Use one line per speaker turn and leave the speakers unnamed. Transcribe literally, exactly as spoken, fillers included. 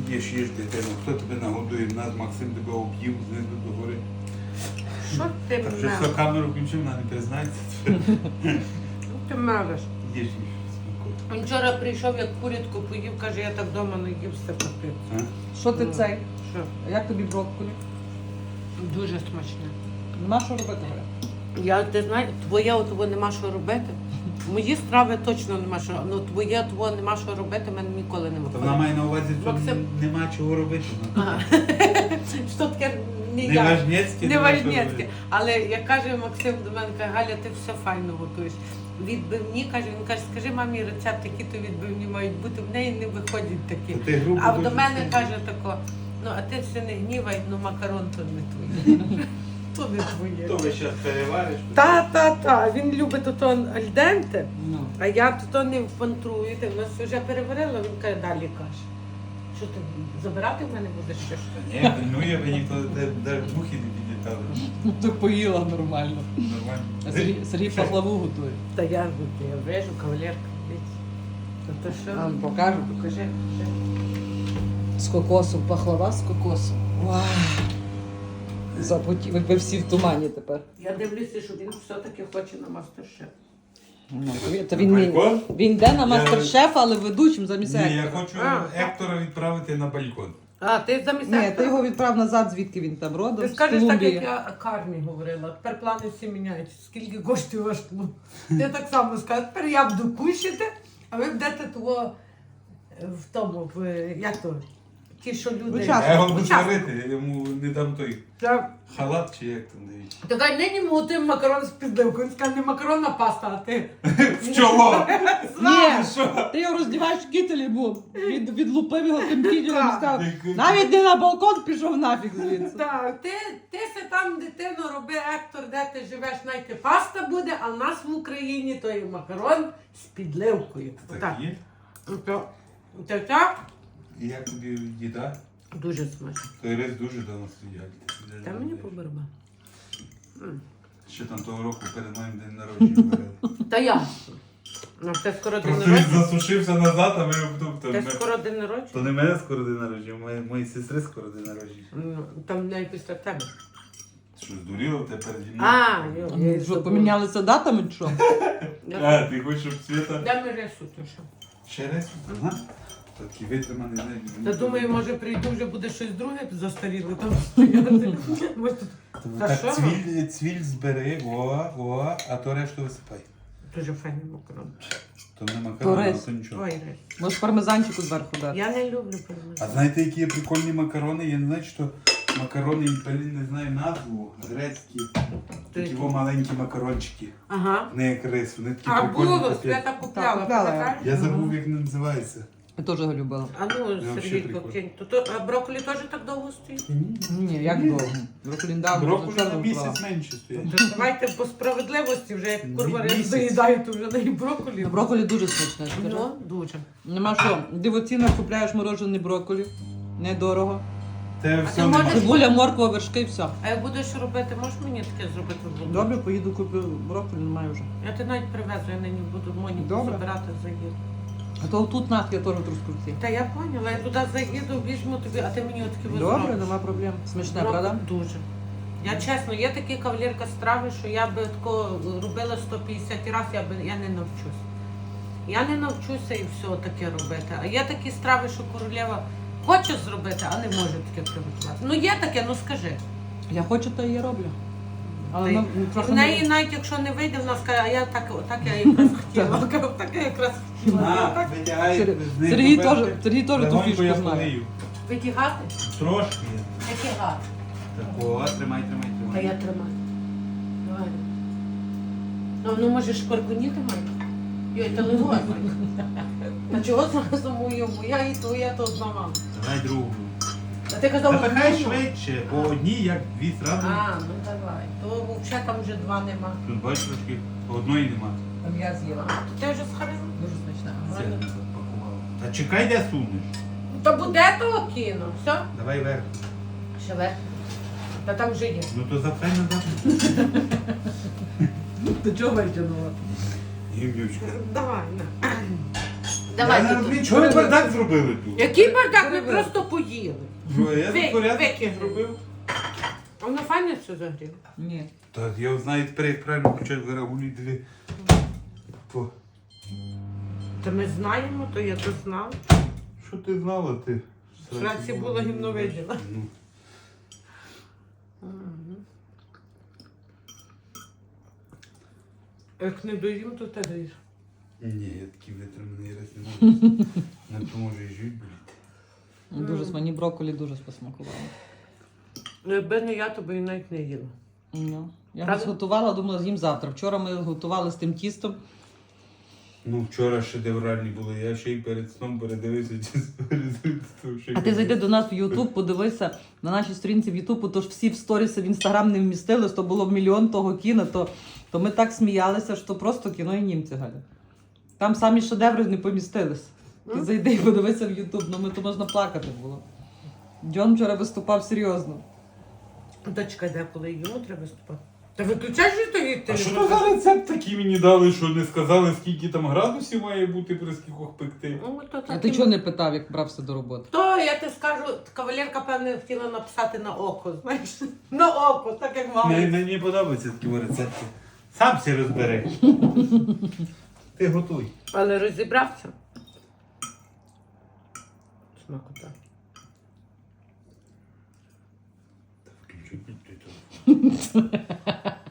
Їж, їж, дитину. Хто тебе нагодує? В нас Максим тебе об'їв знизу до гори.
Що ти
Так вже
мелиш?
все, камеру включив, вона не признається.
Ти мелиш.
Їж, їж. Спокійно.
Він вчора прийшов, як курятку поїв, каже, я так вдома не їв все капець.
А?
Що ти
Ну,
цей?
Що?
Як тобі брокколі?
Дуже смачне.
Нема що робити, Галя?
Я, ти знаєш, твоє отво нема що робити. Мої страви точно нема що. Ну твоє отво нема що робити, мене ніколи не
То
виходить.
вона має на увазі, що
Максим.
нема чого робити. ну.
Ага. Що таке не
Не
я.
важнєцьке.
Не
нема що
важнєцьке.
робити.
Але як каже Максим до мене, каже, Галя, ти все файно готуєш. Відбивні, каже, він каже, скажи мамі рецепт, які то відбивні мають бути, в неї не виходять такі.
То ти грубо
А до
дуже
мене
сильно.
каже тако, ну а ти все не гнівай, ну макарон то не твоє. То не твоє.
То ви зараз перевариш?
Та, та, та. Він любить ото альденте,
Ну.
а я то не впантрую. Ти в нас вже переварила, він каже, далі каже. Що ти забирати в мене будеш ще?
Ні, пильнує, ви ніхто навіть мухи не підлітали.
Ну, ти поїла нормально. А
Нормально.
Сергій, Сергій пахлаву готує.
Та я, я вижу, кавалерка. дивіться. Та то що?
А, покажу.
Покажи. покажи.
З кокосом, пахлава з кокосом. Вау! Запотів, ви всі в тумані тепер.
Я дивлюся, що він все-таки хоче на мастер-шеф.
Ну, то він- то він, він,
Балкон?
він йде на мастер-шеф, але ведучим замість
Ні, я
Ектора.
хочу
А.
Ектора відправити на балкон.
А, ти замість
Ні, ти
Ектора?
його відправ назад, звідки він там родом,
Ти
з
скажеш так,
Колумбії.
як я Карні говорила. Тепер плани всі міняються. Скільки коштує ваш тлум? Ти так само скажеш, тепер я буду кушати, а ви будете того е, в тому, в, е, як то, ті, що люди...
Учасники.
Я його буду
Учасники.
сварити, я йому не дам той
Я-
халат чи як там дають.
Така нині ми готуємо макарон з підливкою. Він скаже, не макаронна паста, а ти.
В чоло!
Ні,
Що?
ти його роздіваєш в кітелі, бо від, відлупив його тим кітелем і сказав,
Так.
навіть не на балкон пішов нафіг звідси.
Так, ти, ти се там, дитино, роби Ектор, де ти живеш, знайте, паста буде, а в нас в Україні то є макарон з підливкою.
Так
Отак.
є?
Так, так, так.
І як тобі їда?
Дуже смачно.
Той рис дуже давно стоять.
Та мені поберба.
Ще там того року перед моїм день народження варили.
Та я. Ну, ти скоро день
Просто він
народження.
засушився назад, а ми обдув.
Ти скоро день
То
народження?
не мене скоро день народження, моєї моєї сестри скоро день народження.
Ну, там не після тебе.
Що, здуріло тебе переді мною?
А, йо, я й
Що,
забула.
помінялися датами чи що?
А, ти хочеш, щоб Свята...
Дай ми рису, то що.
Ще раз? Ага. Такий витриманий, знаєш.
Та думаю, може прийду, вже буде щось друге застаріле там стояти. Може, тут- Та
Так
що?
цвіль, цвіль збери, о, о, а то решту висипай.
Дуже файний макарон.
То не
То
макарон,
рис.
то нічого.
Ой, рис.
Може пармезанчику зверху дати.
Я не люблю
А
перемагати.
знаєте, які є прикольні макарони? Я не знаю, що макарони, блін, не знаю назву, грецькі. Такі во маленькі макарончики.
Ага.
Не як рис, вони такі
А
прикольні.
було,
такі.
Свята купляла,
Так, купляла я.
пам'ятаєш?
Я забув, як вони називаються.
Я теж його любила.
А ну,
вообще
Сергійко,
прикольно.
кинь. То- то- А брокколі теж так довго стоїть?
Ні, як довго. Брокколі дав,
Брокколі
дуже
на
чорно
місяць
брала.
менше стоять.
То давайте по справедливості, вже як курва
Місяць.
рис заїдаю, то вже не і брокколі.
Ну, брокколі дуже смачне, скажи.
Ну, дуже.
Нема що, дивоцінно купляєш морожений брокколі. Недорого.
Те
А
все
ти
нема.
можеш-
Цибуля, морква, вершки, все.
А як будеш робити, можеш мені таке зробити в блоку?
Добре, поїду куплю брокколі, немає вже.
Я ти навіть привезу, я нині буду Моніку
Добре.
забирати, заїду.
А то тут нас я теж трускавці.
Та я поняла, я туди заїду, візьму тобі, а ти мені отакі
Добре, нема проблем. Смачне, правда?
Дуже. Я чесно, є такі кавалерка страви, що я би тако робила сто п'ятдесят разів, я би я не навчусь. Я не навчуся і все таке робити. А є такі страви, що королева хоче зробити, а не може таке приготувати. Ну є таке, ну скажи.
Я хочу, то і я роблю. Але
Та й-
ну, трохи
В неї
не...
навіть якщо не вийде, вона скаже, а я так, так я якраз хотіла. Так я якраз хотіла.
На,
Так.
витягай,
Сер-
з неї
Сергій
поперти.
теж, Сергій теж ту
Легонько
фішку
я
знає.
полию.
Витягати?
Трошки.
Витягати.
Такого, тримай, тримай,
Та
тримай.
я тримаю. Давай. Ну, ну може шкваркуніти має? Йой, та легко. Та чого зразу мою? Моя і твоя, то одна мама.
Давай другу.
А ти казав,
Та хай
одну?
швидше, по одній, як дві зразу.
А, ну давай. То взагалі там вже два нема.
Тут бачиш трошки, по одної нема.
Там я з'їла.
То ти вже схарила?
Дуже смачна.
Це не запакувала. Та чекай, де сунеш.
Ну, то буде того кіно. Все?
Давай вверх.
Ще вверх. Та там вже є.
Ну то запхай назад.
Ти чого витягнула?
Гімнючка.
Давай, на. Давай,
Я не
Діду.
розумію, чого ви бардак зробили тут?
Який бардак, ми просто поїли.
Що, я
Ви-
за порядок
викинули.
зробив?
А воно файно все загріло.
Ні.
Так, я знаю тепер, як правильно включати вирагулі дві. По.
Та ми знаємо, то я то знав.
Що ти знала, ти?
В Сраці було гімно виділа.
Ну.
Як не доїм, то ти даєш.
Ні, я такий витриманий раз не можу. Не поможе і жуть, блядь.
Дуже мені брокколі дуже посмакувало.
Ну, якби не я, то би і навіть не їла.
Ну, я
Правда?
зготувала, думала, з'їм завтра. Вчора ми готували з тим тістом.
Ну, вчора шедевральні були, я ще й перед сном передивився результат.
А ти зайди до нас в Ютуб, подивися на нашій сторінці в Ютуб, тож всі в сторіси в Інстаграм не вмістились, то було мільйон того кіно, то, то ми так сміялися, що просто кіно і німці, Галя. Там самі шедеври не помістились. Ти
М?
зайди і подивися в Ютуб, ну ми то можна плакати було. Джон вчора виступав серйозно.
Дочка, де коли йому треба виступати? Та виключай же то їй
А що то за рецепт такий мені дали, що не сказали, скільки там градусів має бути при скількох пекти?
Ну, то
А
так
ти
і-
чого не питав, як брався до роботи?
То я ти скажу, кавалерка, певне, хотіла написати на око, знаєш? На око, так як мама.
Мені, мені подобаються такі рецепти. Сам всі розбери. Ти готуй.
Але розібрався. Смакота.
Включу під той телефон.